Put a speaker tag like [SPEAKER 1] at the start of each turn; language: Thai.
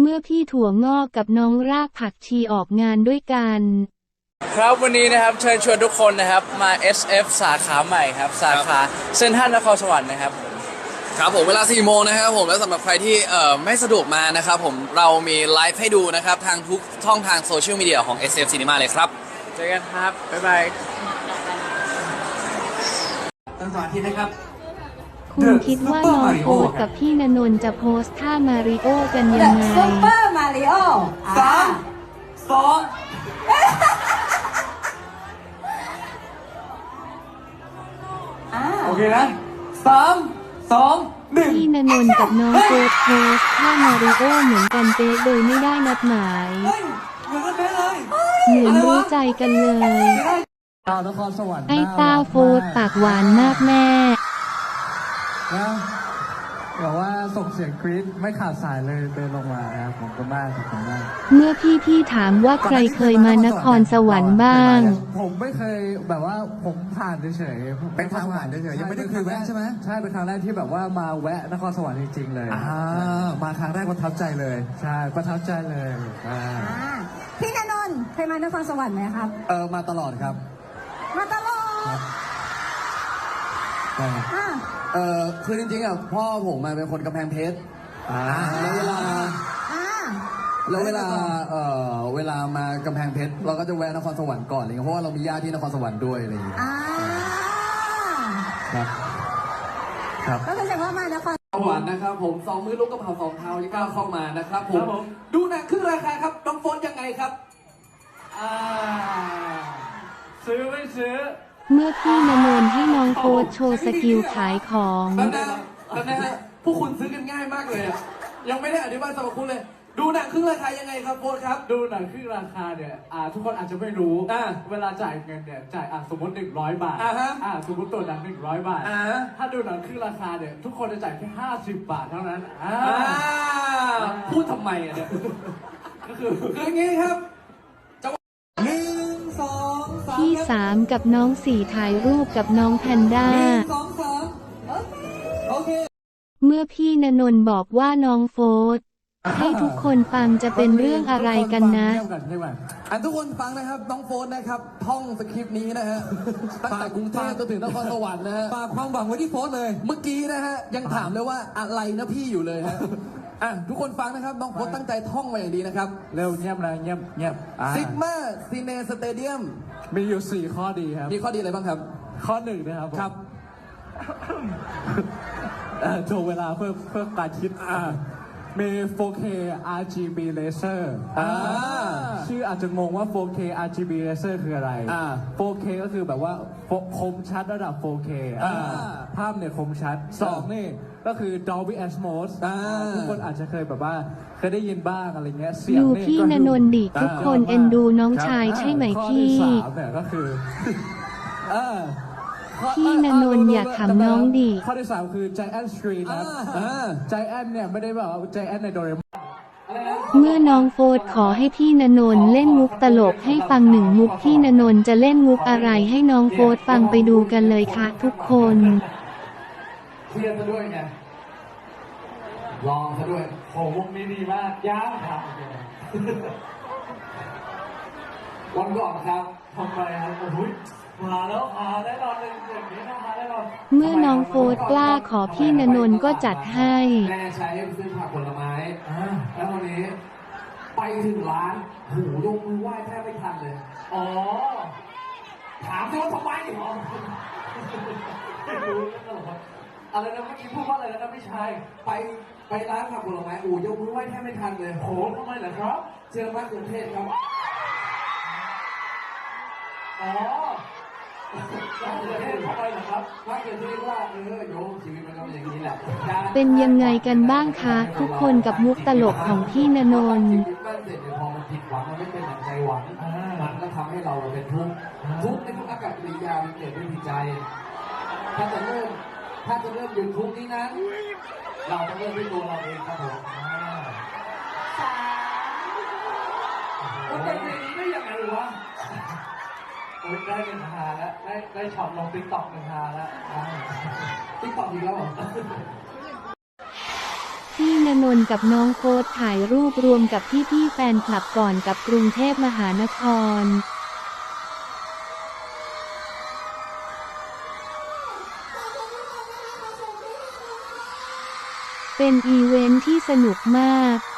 [SPEAKER 1] เมื่อพี่ถั่วงอกกับน้องรากผักชีออกงานด้วยกัน
[SPEAKER 2] ครับวันนี้นะครับเชิญชวนทุกคนนะครับมา SF สาขาใหม่ครับสาขาเซ็นทรัลนครสวรรค์นะครับ
[SPEAKER 3] ครับผมเวลา 4 โมงนะครับผมและสำหรับใครที่ไม่สะดวกมานะครับผมเรามีไลฟ์ให้ดูนะครับทางทุกช่องทางโซเชียลมีเดียของ SF Cinema เลยครับ
[SPEAKER 2] เจอกันครับบ๊ายบาย
[SPEAKER 4] ตั้งสมาธินะครับ
[SPEAKER 1] คุณคิดว่าน้องโอ๊ตกับพี่ณนนท์จะโพสท่ามาริโอกันยังไง
[SPEAKER 5] ซุปเปอร์มาริโอ
[SPEAKER 4] 3 2โอเคนะ3 2 1
[SPEAKER 1] พี่ณนนท์กับน้องโอ๊ตโพสท่ามาริโอเหมือนกันเป๊ะโดยไม่ได้นัดหมาย
[SPEAKER 4] เหมือนกันเลย
[SPEAKER 1] เหมือนรู้ใจกันเลย
[SPEAKER 4] นครสวรรค์
[SPEAKER 1] ไอ้ต้าโฟดปากหวานมากแม่
[SPEAKER 4] นะบอกว่าส่งเสียงกรี๊ดไม่ขาดสายเลยเดินลงมานะครับผมก็มากขอบคุณมาก
[SPEAKER 1] เมื่อพี่ถามว่าใครเคยมานครสวรรค์บ้าง
[SPEAKER 4] ผมไม่เคยแบบว่าผมผ่านเฉยๆเป็นทางผ่านเฉยๆยังไม่ได้เคยแวะใช่ไหมใช่เป็นครั้งแรกที่แบบว่ามาแวะนครสวรรค์จริงๆเลยมาครั้งแรกประทับใจเลยใช่ประทับใจเลย
[SPEAKER 5] พี่ณนนท์เคยมานครสวรรค์ไหมครับ
[SPEAKER 4] มาตลอดครับ
[SPEAKER 5] มาตลอด
[SPEAKER 3] คือจริงๆอ่ะพ่อผมมาเป็นคนกำแพงเพชรแล้วเวลามากำแพงเพชรเราก็จะแวะนครสวรรค์ก่อนอะไรเงี้ยเพราะว่าเรามีญาติที่นครสวรรค์ด้วยอะไรอย่างเงี้ย
[SPEAKER 5] ครับก็แสดงว่ามานคร
[SPEAKER 3] สวรรค์นะครับผม2 มื้อลูกกระเพรา2 เท้าที่ก้าวเข้ามานะครับผมดูหนังครึ่งราคาครับน้องโฟนยังไงครับ
[SPEAKER 4] ซื้อไม่ซื้อ
[SPEAKER 1] เมื่อพี่ณนนท์ให้น้องโฟดโชว์สกิลขายของ
[SPEAKER 3] นะฮะพวกคุณซื้อกันง่ายมากเลยอ่ะยังไม่ได้อธิบายสรรพคุณเลยดูหนังครึ่งราคายังไงครับโฟนครับ
[SPEAKER 4] ดูหนังครึ่งราคาเนี่ยทุกคนอาจจะไม่รู้เวลาจ่ายเงินเนี่ยจ่ายสมมติ100 บาทสมมติตัวหนัง100 บาทถ้าดูหนังครึ่งราคาเนี่ยทุกคนจะจ่ายแค่50 บาทเท่านั้น
[SPEAKER 3] พูดทำไมอ่ะเนี่ยก็คืออย่างงี้ครับ1 2 3
[SPEAKER 1] พี่3กับน้อง4ถ่ายรูปกับน้องแพนด้า
[SPEAKER 3] 1 2 3โอเค
[SPEAKER 1] เมื่อพี่ณนนท์บอกว่าน้องโฟดให้ทุกคนฟังจะเป็นเรื่องอะไรกันนะ
[SPEAKER 3] ทุกคนฟังนะครับน้องโฟนนะครับท่องสคริปต์นี้นะฮะตั้งแต่กรุงเทพจนถึงนครสวรรค์นะฮะ
[SPEAKER 4] ฝากความหวังไว้ที่โฟนเลย
[SPEAKER 3] เมื่อกี้นะฮะยังถามเลยว่าอะไรนะพี่อยู่เลยฮะทุกคนฟังนะครับน้องโฟนตั้งใจท่องมาอย่างดีนะครับ
[SPEAKER 4] เร็วเงียบนะเงียบ
[SPEAKER 3] ซิกมาซีเนสเตเดียม
[SPEAKER 4] มีอยู่4 ข้อดีครับ
[SPEAKER 3] มีข้อดีอะไรบ้างครับ
[SPEAKER 4] ข้อ1นะครับ
[SPEAKER 3] ครับ
[SPEAKER 4] โชว์เวลาเพื่อการคิดมี 4K RGB laser ชื่ออาจจะงงว่า 4K RGB laser คืออะไร 4K ก็คือแบบว่าคมชัดระดับ 4K ภาพเนี่ยคมชัด2นี่ก็คือ Dolby Atmos ทุกคนอาจจะเคยแบบว่าเคยได้ยินบ้างอะไรเงี้ยเสียง
[SPEAKER 1] ดูพี่ณนนท์ดิทุกคนเอ็นดูน้องชายใช่ไหมพี่
[SPEAKER 4] ข้อที่3เนี่ยก็คือ
[SPEAKER 1] พี่ณนนท์อยากขำน้องดิ
[SPEAKER 4] ข้อที่3คือ Giant Screen นะGiant เนี่ยไม่ได้แบบว่า Giant ในโดเรมอน
[SPEAKER 1] เมื่อน้องโฟดขอให้พี่ณนนท์เล่นมุกตลกให้ฟัง1 มุกพี่ณนนท์จะเล่นมุกอะไรให้น้องโฟดฟังไปดูกันเลยค่ะทุกคน
[SPEAKER 4] เครียดซะด้วยไงลองซะด้วยโหมุกนี้ดีมากย่างครับวันก่อนครับทำไมครับโอ้ยมาแล้วได้รอนอย่างนี้มาได้รอน
[SPEAKER 1] เมื่อน้องโฟดกล้าขอพี่ณนนท์ก็จัดให้
[SPEAKER 3] แม่ใช้ซื้อผักผลไม้แล้ววันนี้ไปถึงร้านหูยกมือไหว้แทบไม่ทันเลยถามสิว่าทำไม
[SPEAKER 4] อะไรนะเมื่อกี้พูดว่าอะไรนะพี่ชาย
[SPEAKER 3] ไปร้านผักผลไม้ยกมือไหว้แทบไม่ทันเลย
[SPEAKER 4] โหทำไมเหรอครับ
[SPEAKER 3] เจอมะเขือเทศครับ
[SPEAKER 4] ทำไมเหรอครับ
[SPEAKER 3] มะเขือเทศว่าโยมชีวิตมันก็อย่างนี้แหละ
[SPEAKER 1] เป็นยังไงกันบ้างคะทุกคนกับมุกตลกของพี่ณนนท์
[SPEAKER 3] ชีวิตมันเสร็จพอมันผิดหวังมันไม่เป็นอย่างใจหวังมันก็ทำให้เราเป็นทุกข์ในทุกอากับกิริยามันเกิดด้วยจิตใจถ้าจะเริ่มหยุดทุกข์นี้นั้นเราต้องเริ่มด้วยตัวเราเองครับผม
[SPEAKER 4] มันเป็นอย่างนี้ได้ยังไงวะได้เงินหาแล้วได้ช็อตลงติ๊กต็อกเงินหาแล้ว
[SPEAKER 3] ติ๊กต็อกอีกแล้วเหรอ
[SPEAKER 1] พี่ณนนท์กับน้องโฟร์ถ่ายรูปรวมกับพี่ๆแฟนคลับก่อนกับกรุงเทพมหานครเป็นอีเวนท์ที่สนุกมาก